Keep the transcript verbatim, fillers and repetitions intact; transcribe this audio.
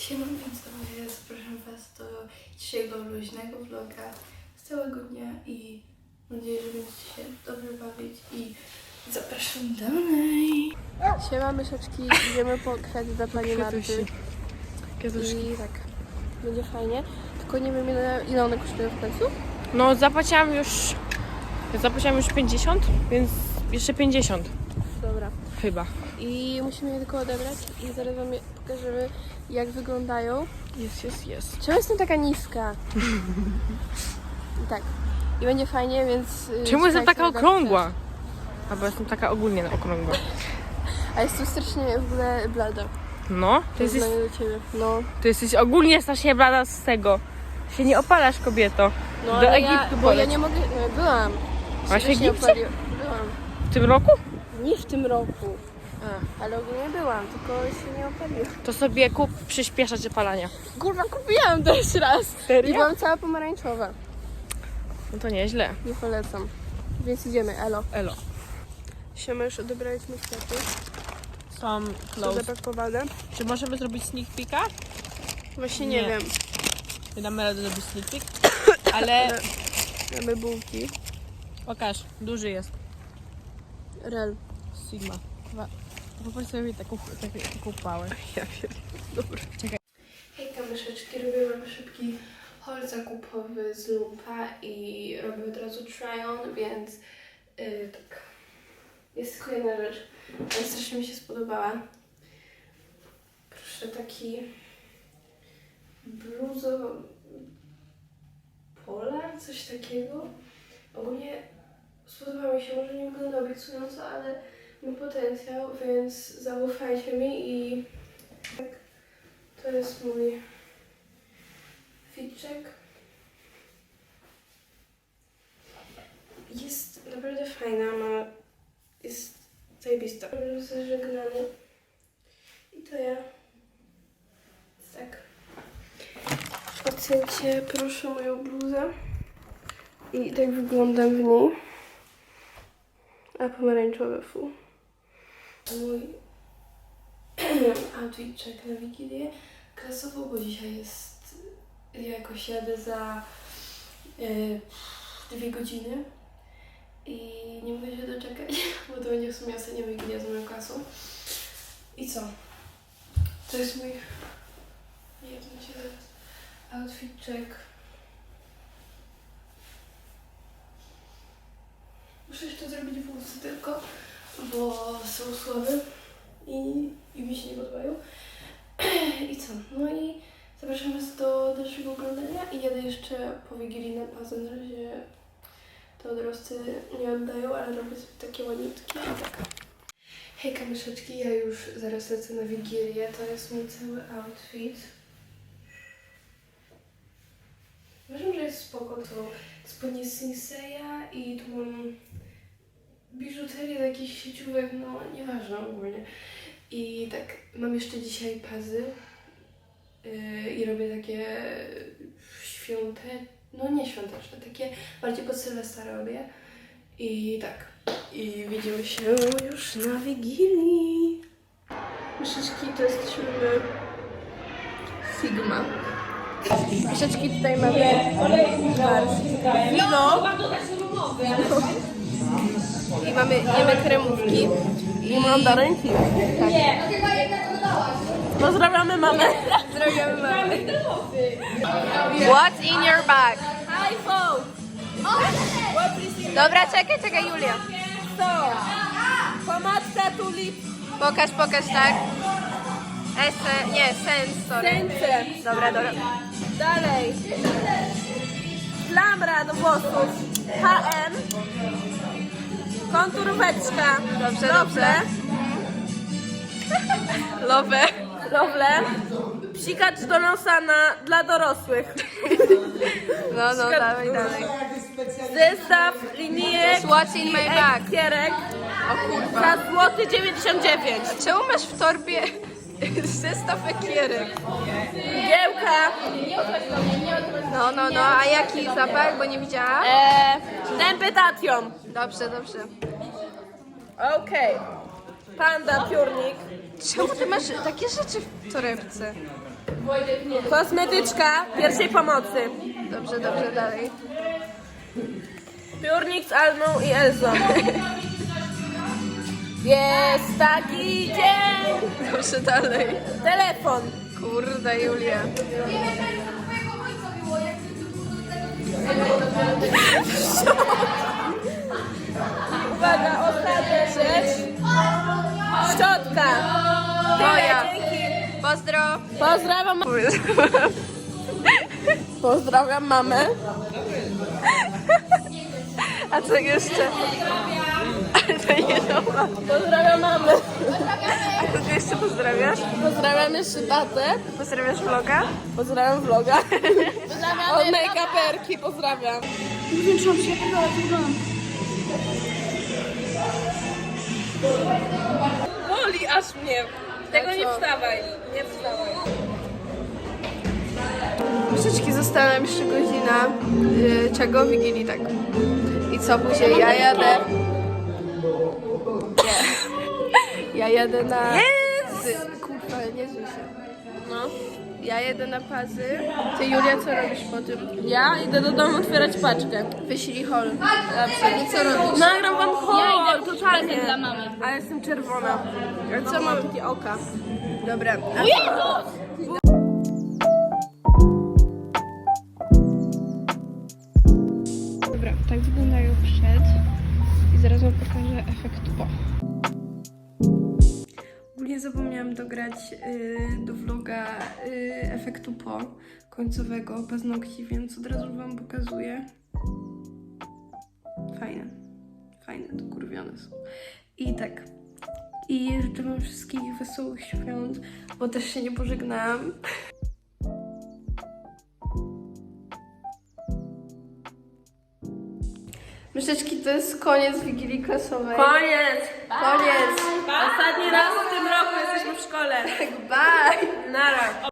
Siema, więc to zapraszam Was do dzisiejszego luźnego vloga z całego dnia i mam nadzieję, że będziecie się dobrze bawić i zapraszam dalej. Siema myszeczki, idziemy po kwiaty dla pani Marty. I tak, będzie fajnie, tylko nie wiem ile, ile one kosztują w końcu. No zapłaciłam już, zapłaciłam już pięćdziesiąt, więc jeszcze pięćdziesiąt. Dobra. Chyba. I musimy je tylko odebrać i zaraz Wam je pokażemy, jak wyglądają. Jest, jest, jest. Czemu jestem taka niska? I tak. I będzie fajnie, więc... Czemu jestem taka słuchajcie, okrągła? Albo jestem taka ogólnie okrągła. A jestem strasznie w ogóle blada. No, To ty jest jesteś, do ciebie. No. ty jesteś ogólnie strasznie blada z tego. Się nie opalasz, kobieto. No Do ale Egiptu ja, bo ja poleć. nie mogę... No, byłam. Byłaś w Się Egipcie? opaliłam. Byłam. W tym roku? Nie w tym roku. A. Ale ogólnie byłam, tylko się nie opaliłam. To sobie kup przyspieszacz opalania. Kurwa, kupiłam to jeszcze raz. Serio? I byłam cała pomarańczowa. No to nieźle. Nie polecam. Więc idziemy, elo. Elo. Siema, już odebraliśmy kwiaty. Są Są zapakowane. Czy możemy zrobić sneak peeka? Właśnie nie, Nie. wiem. Nie damy rady zrobić sneak peek. Ale Mamy bułki. pokaż, duży jest. Rel. Sigma. Chyba. Popatrz sobie taką, taką, taką pałę. Ja wiem. Dobra. Czekaj. Hejka myszeczki, robię wam szybki haul zakupowy z Lumpa i robię od razu try-on, więc yy, tak. Jest tylko jedna rzecz, ale strasznie mi się spodobała. Proszę, taki bluzo polar, coś takiego. Ogólnie spodoba mi się, może nie wygląda obiecująco, ale ma potencjał, więc zaufajcie mi i tak. To jest mój fitczek. Jest naprawdę fajna, ma, jest zajebista. Jest zażegnany. I to ja. Tak. Ocencie proszę moją bluzę. I tak wyglądam w niej. A pomarańczowe fu. Mój outfitczek na Wigilię. Klasowo, bo dzisiaj jest, ja jakoś jadę za y, dwie godziny i nie mogę się doczekać, bo to będzie w sumie ostatnia Wigilia z moją klasą. I co? To jest mój, nie wiem, się zaraz, outfitczek. Muszę jeszcze zrobić włosy tylko, bo są słabe i, i mi się nie podobają. I co? No i zapraszam Was do dalszego oglądania i jadę jeszcze po Wigilii na bazę. Na razie to dorosty nie oddają, ale robię sobie takie ładniutkie i tak. Hejka myszeczki, ja już zaraz lecę na Wigilię. To jest mój cały outfit. Uważam, że jest spoko. To spodnie z Sinseya i tu mam biżuterię z jakichś sieciówek, no nieważne ogólnie. I tak, mam jeszcze dzisiaj pazy yy, i robię takie świąteczne, no nie świąteczne, takie bardziej pod Sylwestra robię. I tak, i widzimy się już na Wigilii. Myszyczki, to jesteśmy Sigma. Myszyczki, tutaj mamy wino. I mamy, jemy kremówki. I mandarynki. Tak. Pozdrawiamy mamę. Pozdrawiamy mamę. What's in your bag? iPhone! Dobra, czekaj, czekaj, Julia. Co? Pomadka tulip Pokaż, pokaż, tak. Ese, nie, sens, sorry. ręce. Dobra, dobra. Dalej. Klamra do włosów. H M. Konturóweczka. Dobrze, Lovle. Love. Lovle. Psikacz do nosa na, dla dorosłych. No, no, dalej, dalej. Zestaw linijek What's in my bag? i kierek O kurwa. za złoty dziewięćdziesiąt dziewięć. Czemu masz w torbie zestaw ekierek? Giełka. No, no, no, a jaki zapach, bo nie widziałam? Eee, Temptation. Dobrze, dobrze. Okej. Panda, piórnik. Czemu ty masz takie rzeczy w torebce? Kosmetyczka pierwszej pomocy. Dobrze, dobrze, dalej. Piórnik z Almą i Elzą. Jest taki dzień. Dobrze, dalej. Telefon. Kurde, Julia. Uwaga, ostatnia rzecz. Szczotka. Moja. Tyle, dzięki. Pozdro. Pozdrawiam. ma- Pozdrawiam mamę. A co jeszcze? To nie nowa. Pozdrawiam mamę. A kogo jeszcze pozdrawiasz? Pozdrawiam jeszcze tatę. Pozdrawiasz vloga? Pozdrawiam vloga. Od make-uperki pozdrawiam. Boli aż mnie. Tego nie wstawaj. Nie wstawaj. Myszeczki, została nam jeszcze godzina. Yy, czego? Wigilii, tak. I co później? Ja jadę. Nie. Ja jadę na... Yes! Kurwa, nie zły się. No. Ja jedę na Pazy. Ty, Julia, co robisz po tym? Ja idę do domu otwierać paczkę. Wyślij hol. Dobrze, i co robisz? Nagram wam hol, totalnie. dla mamy. Ale jestem czerwona. A co mam? Takie oka. Dobra. Dobra, tak wyglądają przed. I zaraz wam pokażę efekt po. Ogólnie zapomniałam dograć y, do vloga y, efektu po końcowego paznokci, więc od razu wam pokazuję. Fajne. Fajne, dokurwione są. I tak. I życzę wam wszystkich wesołych świąt, bo też się nie pożegnałam. Myszeczki, to jest koniec Wigilii Klasowej. Koniec. Koniec. Ostatni raz w tym roku jesteśmy w szkole. Bye. Nara.